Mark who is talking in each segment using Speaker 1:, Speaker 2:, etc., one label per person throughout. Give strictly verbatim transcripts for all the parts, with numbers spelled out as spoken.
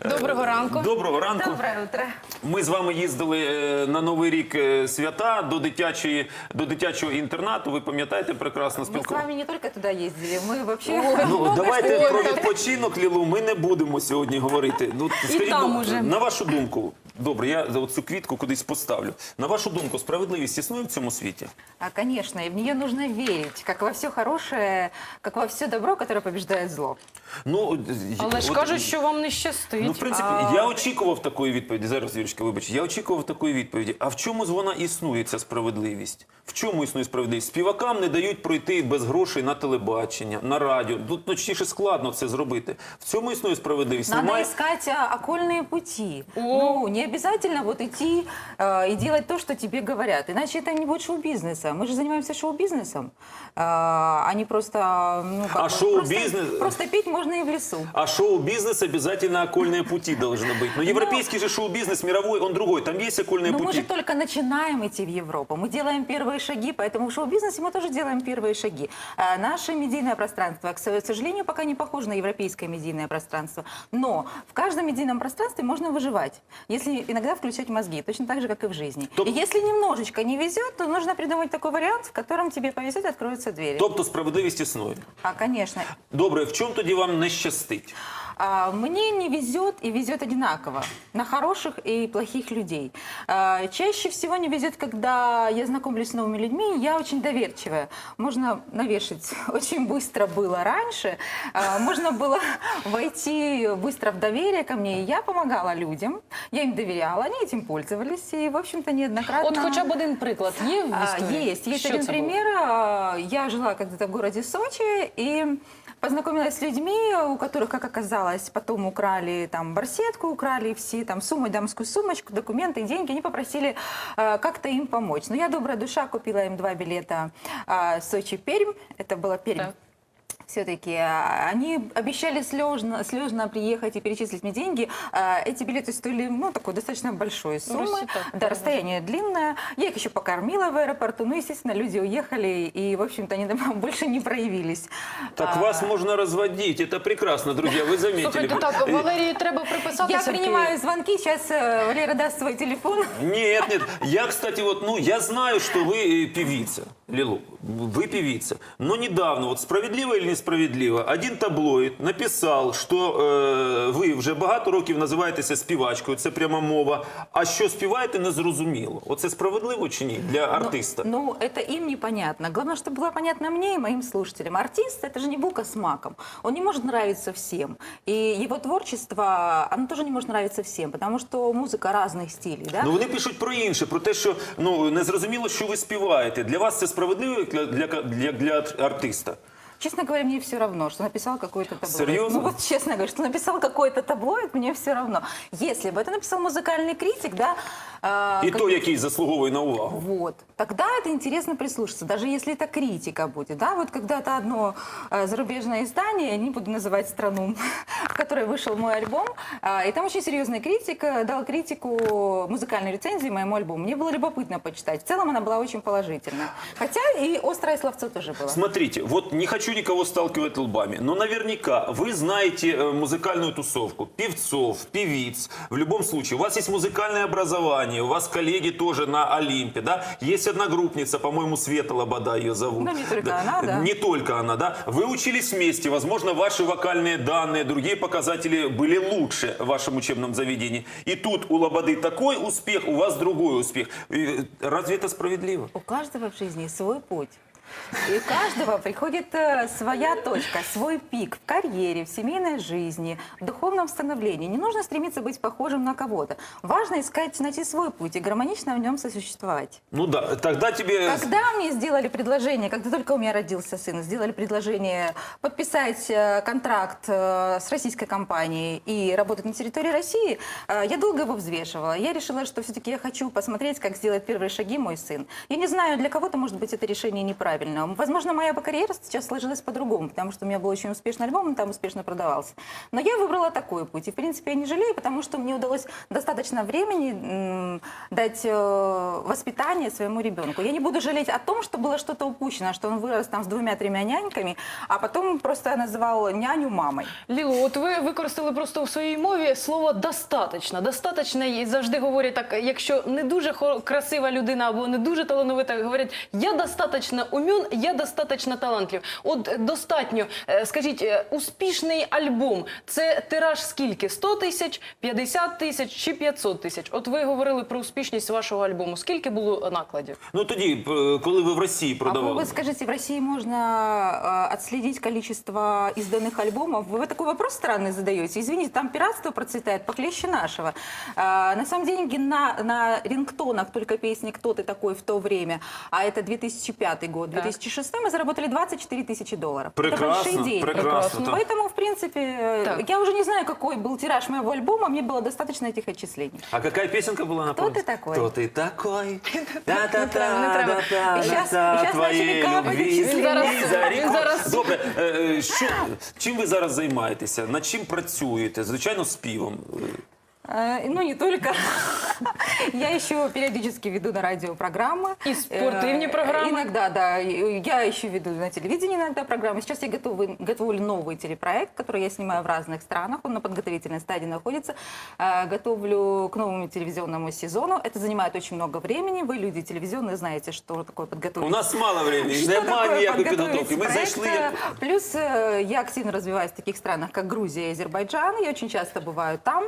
Speaker 1: Доброго ранку.
Speaker 2: Доброго ранку.
Speaker 3: Доброе утро.
Speaker 2: Ми з вами їздили е, на Новий рік е, свята до дитячої, до дитячого інтернату. Ви пам'ятаєте прекрасно
Speaker 3: Мы с
Speaker 2: спілкування?
Speaker 3: вами не только туда ездили, мы вообще...
Speaker 2: Ну, давайте
Speaker 1: що
Speaker 2: про
Speaker 1: так.
Speaker 2: відпочинок, Лілу, ми не будемо сьогодні говорити. Ну, скажіть,
Speaker 1: там
Speaker 2: ну,
Speaker 1: уже.
Speaker 2: на вашу думку, добре, я за цю квітку кудись поставлю. На вашу думку, справедливість існує в цьому світі?
Speaker 3: А, конечно, и в нее нужно верить, как во все хорошее, как во все добро, которое побеждает зло.
Speaker 2: Ну,
Speaker 1: Але ж
Speaker 2: от-
Speaker 1: кажуть, що вам не щастить.
Speaker 2: Ну, в принципі, я очікував такої відповіді. Зараз, Юрочка, вибач, я очікував такої відповіді. А в чому ж вона існує, ця справедливість? В чому існує справедливість? Співакам не дають пройти без грошей на телебачення, на радіо. Тут, точніше, складно це зробити. В цьому існує справедливість?
Speaker 3: Надо
Speaker 2: Немає...
Speaker 3: искать а, окольные пути. Ну, не обязательно вот идти а, и делать то, что тебе говорят. Иначе это не будет шоу-бизнеса. Мы же занимаемся шоу-бизнесом, а, а не просто... Ну, как
Speaker 2: А
Speaker 3: бы,
Speaker 2: шоу-бизнес-
Speaker 3: Просто, просто петь можно и в лесу.
Speaker 2: А шоу-бизнес обязательно окольные пути должны быть. Но европейский же шоу-бизнес мировой, он другой. Там есть окольные
Speaker 3: Но мы
Speaker 2: пути.
Speaker 3: же только начинаем идти в Европу. Мы делаем первые шаги, поэтому в шоу-бизнесе мы тоже делаем первые шаги. А наше медийное пространство, к сожалению, пока не похоже на европейское медийное пространство. Но в каждом медийном пространстве можно выживать, если иногда включать мозги, точно так же, как и в жизни.
Speaker 2: Топ-
Speaker 3: И если немножечко не везет, то нужно придумать такой вариант, в котором тебе повезет и откроются двери.
Speaker 2: Тобто справедливість існує.
Speaker 3: А, конечно.
Speaker 2: Добре, в чому тоді вам не щастить?
Speaker 3: А, Мне не везет и везет одинаково на хороших и плохих людей. А, Чаще всего не везет, когда я знакомлюсь с новыми людьми, я очень доверчивая. Можно навешать очень быстро было раньше, а, можно было войти быстро в доверие ко мне, и я помогала людям, я им доверяла, они этим пользовались, и, в общем-то, неоднократно...
Speaker 1: От хоча б один приклад є в
Speaker 3: А,
Speaker 1: історії?
Speaker 3: Есть, есть
Speaker 1: Що
Speaker 3: один
Speaker 1: це було?
Speaker 3: пример. А, Я жила когда-то в городе Сочи и познакомилась с людьми, у которых, как оказалось, потом украли там барсетку, украли все там сумму, дамскую сумочку, документы, деньги. Они попросили а, как-то им помочь. Но я, добрая душа, купила им два билета а, Сочи-Пермь. Это была Пермь.
Speaker 1: Так.
Speaker 3: Все-таки а, они обещали слежно, слежно приехать и перечислить мне деньги. А, Эти билеты стоили, ну, такой достаточно большой суммы.
Speaker 1: Россия так,
Speaker 3: Да,
Speaker 1: да,
Speaker 3: расстояние длинное. Я их еще покормила в аэропорту. Ну, естественно, люди уехали, и, в общем-то, они больше не проявились.
Speaker 2: Так
Speaker 3: А,
Speaker 2: вас можно разводить. Это прекрасно, друзья, вы заметили.
Speaker 1: Слухайте, так, Валерії треба приписатися.
Speaker 3: Я
Speaker 1: в Київ.
Speaker 3: принимаю звонки. Сейчас э, Валера даст свой телефон.
Speaker 2: Нет, нет. Я, кстати, вот, ну, я знаю, что вы э, певица, Лилу. Вы певица. Но недавно, вот справедливо или несправедливо, один таблоїд написав, що е, ви вже багато років називаєтеся співачкою, це прямо мова, а що співаєте, не зрозуміло. Оце справедливо чи ні для артиста?
Speaker 3: Ну, это им непонятно. Главное, чтобы было понятно мне и моим слушателям. Артист – это же не булка с маком. Он не может нравиться всем. И его творчество, оно тоже не может нравиться всем, потому что музыка разных стилей, да?
Speaker 2: Ну вони пишуть про інше, про те, що ну, не зрозуміло, що ви співаєте. Для вас це справедливо для, для, для, для артиста?
Speaker 3: Честно говоря, мне все равно, что написал какой-то таблоид.
Speaker 2: Серьезно?
Speaker 3: Ну вот честно говоря, что написал какой-то таблоид, мне все равно. Если бы это написал музыкальный критик, да... э,
Speaker 2: І
Speaker 3: как-
Speaker 2: то, який заслуговує на увагу.
Speaker 3: Вот. Тогда это интересно прислушаться, даже если это критика будет, да, вот когда-то одно э, зарубежное издание, не буду называть страну, в которой вышел мой альбом, э, и там очень серьезный критик э, дал критику музыкальной рецензии моему альбому. Мне было любопытно почитать. В целом она была очень положительная. Хотя и острое словцо тоже было.
Speaker 2: Смотрите, вот не хочу никого сталкивать лбами, но наверняка вы знаете э, музыкальную тусовку, певцов, певиц. В любом случае, у вас есть музыкальное образование, у вас коллеги тоже на Олимпе, да? Есть одногруппница, по-моему, Света Лобода ее зовут.
Speaker 3: Ну, не только она, да.
Speaker 2: Не только она, да? Вы учились вместе, возможно, ваши вокальные данные, другие показатели были лучше в вашем учебном заведении. И тут у Лободы такой успех, у вас другой успех. Э, Разве это справедливо?
Speaker 3: У каждого в жизни свой путь. И у каждого приходит э, своя точка, свой пик в карьере, в семейной жизни, в духовном становлении. Не нужно стремиться быть похожим на кого-то. Важно искать, найти свой путь и гармонично в нем сосуществовать.
Speaker 2: Ну да, тогда тебе...
Speaker 3: Когда мне сделали предложение, когда только у меня родился сын, сделали предложение подписать э, контракт э, с российской компанией и работать на территории России, э, я долго его взвешивала. Я решила, что все-таки я хочу посмотреть, как сделать первые шаги мой сын. Я не знаю, для кого-то, может быть, это решение неправильно. правильно. Возможно, моя бы карьера сейчас сложилась по-другому, потому что у меня был очень успешный альбом, он там успешно продавался. Но я выбрала такой путь. И, в принципе, я не жалею, потому что мне удалось достаточно времени м, дать э, воспитание своему ребенку. Я не буду жалеть о том, что было что-то упущено, что он вырос там с двумя-тремя няньками, а потом просто называл няню мамой.
Speaker 1: Лілу, от ви використали просто у своїй мові слово «достаточно». «Достаточно» і завжди говорять так, якщо не дуже хо- красива людина або не дуже талановита, говорять «я достаточно умен, я достаточно талантлив». От е, достатньо, е, скажіть, е, успішний альбом – це тираж скільки? сто тисяч, п'ятдесят тисяч чи п'ятсот тисяч? От ви говорили про успішність вашого альбому. Скільки було накладів?
Speaker 2: Ну тоді, е, коли ви в Росії
Speaker 3: А вы,
Speaker 2: продавали.
Speaker 3: вы скажите, в России можно э, отследить количество изданных альбомов? Вы такой вопрос странный задаете. Извините, там пиратство процветает похлеще нашего. А, на самом деле на, на рингтонах только песни «Кто ты такой» в то время, а это две тысячи пятый год, две тысячи шестой, мы заработали двадцать четыре тысячи долларов. Это
Speaker 2: Прекрасно,
Speaker 3: большие деньги.
Speaker 2: прекрасно. так.
Speaker 3: Поэтому, в принципе, э,
Speaker 1: Так.
Speaker 3: я уже не знаю, какой был тираж моего альбома, мне было достаточно этих отчислений.
Speaker 2: А какая песенка была на
Speaker 3: Кто ты такой?
Speaker 2: Кто ты такой?
Speaker 1: Не треба, не треба.
Speaker 3: І щас- і щас начали капати числення.
Speaker 1: Він зараз- він зараз-
Speaker 2: Добре, е, е, що, чим ви зараз займаєтеся? Над чим працюєте? Звичайно, співом.
Speaker 3: Э, Ну, не только. Я еще периодически веду на радио программы.
Speaker 1: И спортивные
Speaker 3: Э,
Speaker 1: программы.
Speaker 3: Иногда, да. И Я еще веду на телевидении иногда программы. Сейчас я готовы, готовлю новый телепроект, который я снимаю в разных странах. Он на подготовительной стадии находится. Э, Готовлю к новому телевизионному сезону. Это занимает очень много времени. Вы, люди телевизионные, знаете, что такое подготовить.
Speaker 2: У нас мало времени,
Speaker 3: Что
Speaker 2: немає
Speaker 3: такое
Speaker 2: ніякої
Speaker 3: подготовить
Speaker 2: підготовки. Ми
Speaker 3: проект?
Speaker 2: зайшли як...
Speaker 3: Плюс э, я активно развиваюсь в таких странах, как Грузия и Азербайджан. Я очень часто бываю там.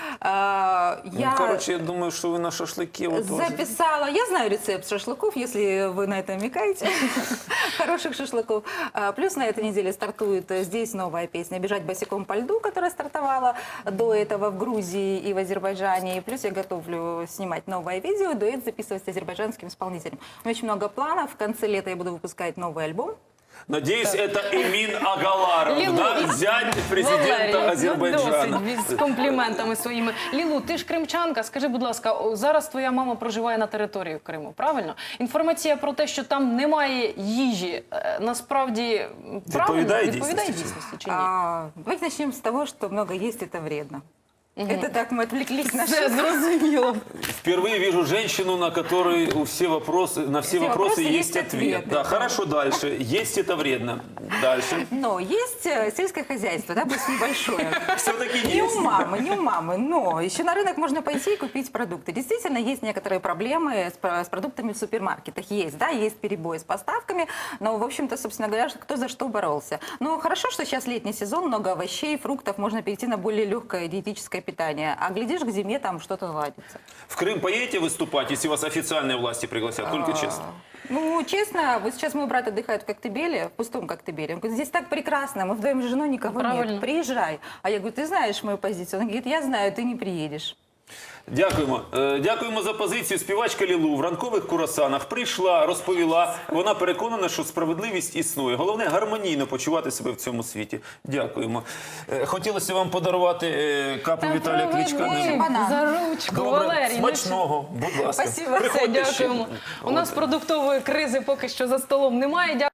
Speaker 3: Э, Я
Speaker 2: Ну, коротше, я думаю, що ви на шашлики. От,
Speaker 3: записала. Я знаю рецепт шашлыков, если вы на это намекаете. Хороших шашлыков. А, Плюс на этой неделе стартует э, здесь новая песня «Бежать босиком по льду», которая стартовала до этого в Грузии и в Азербайджане. И плюс я готовлю снимать новое видео, дуэт записывать с азербайджанским исполнителем. У меня очень много планов. В конце лета я буду выпускать новый альбом.
Speaker 2: Надіюсь, це Емін Агаларов,
Speaker 1: Лілу,
Speaker 2: да? зять президента
Speaker 1: Валерій,
Speaker 2: Азербайджану.
Speaker 1: ну, досить з компліментами своїми. Лілу, ти ж кримчанка, скажи, будь ласка, о, зараз твоя мама проживає на території Криму, правильно? Інформація про те, що там немає їжі, е, насправді правильно?
Speaker 2: Відповідає
Speaker 1: Відповідає
Speaker 2: дійсності?
Speaker 1: дійсності чи ні?
Speaker 3: А, Давайте начнем с того, что много есть это вредно. Это так мы отвлеклись на
Speaker 1: Все зрозуміло.
Speaker 2: Впервые вижу женщину, на которой у все вопросы, на все,
Speaker 3: Все
Speaker 2: вопросы
Speaker 3: вопросы
Speaker 2: есть
Speaker 3: есть
Speaker 2: ответ.
Speaker 3: ответы.
Speaker 2: Да, хорошо, дальше. Есть это вредно. Дальше.
Speaker 3: Но есть э, сельское хозяйство, да, пусть небольшое.
Speaker 2: Все-таки
Speaker 3: Не у
Speaker 2: есть.
Speaker 3: мамы, не у мамы, но еще на рынок можно пойти и купить продукты. Действительно, есть некоторые проблемы с, про- с продуктами в супермаркетах. Есть, да, есть перебои с поставками, но, в общем-то, собственно говоря, кто за что боролся. Но хорошо, что сейчас летний сезон, много овощей, фруктов, можно перейти на более легкое диетическое питание. А глядишь, к зиме там что-то наладится.
Speaker 2: В Крым поедете выступать, если вас официальные власти пригласят? Только честно.
Speaker 3: Ну, честно, вот сейчас мой брат отдыхает в Коктебеле, в пустом Коктебеле. Он говорит, здесь так прекрасно, мы вдвоем с женой, никого
Speaker 1: Правильно.
Speaker 3: нет, приезжай. А я говорю, ты знаешь мою позицию? Он говорит, я знаю, ты не приедешь.
Speaker 2: Дякуємо. Е, Дякуємо за позицію. Співачка Лілу в ранкових курасанах прийшла, розповіла. Вона переконана, що справедливість існує. Головне – гармонійно почувати себе в цьому світі. Дякуємо. Е, Хотілося вам подарувати е, капу
Speaker 1: Та
Speaker 2: Віталія Кличка.
Speaker 1: проведи
Speaker 2: Не-
Speaker 3: банан.
Speaker 1: за ручку,
Speaker 2: Добре,
Speaker 1: Валерій. ну,
Speaker 2: смачного, будь ласка.
Speaker 3: Спасибо.
Speaker 1: Все,
Speaker 2: Приходьте ще.
Speaker 1: дякуємо. У нас продуктової кризи поки що за столом немає.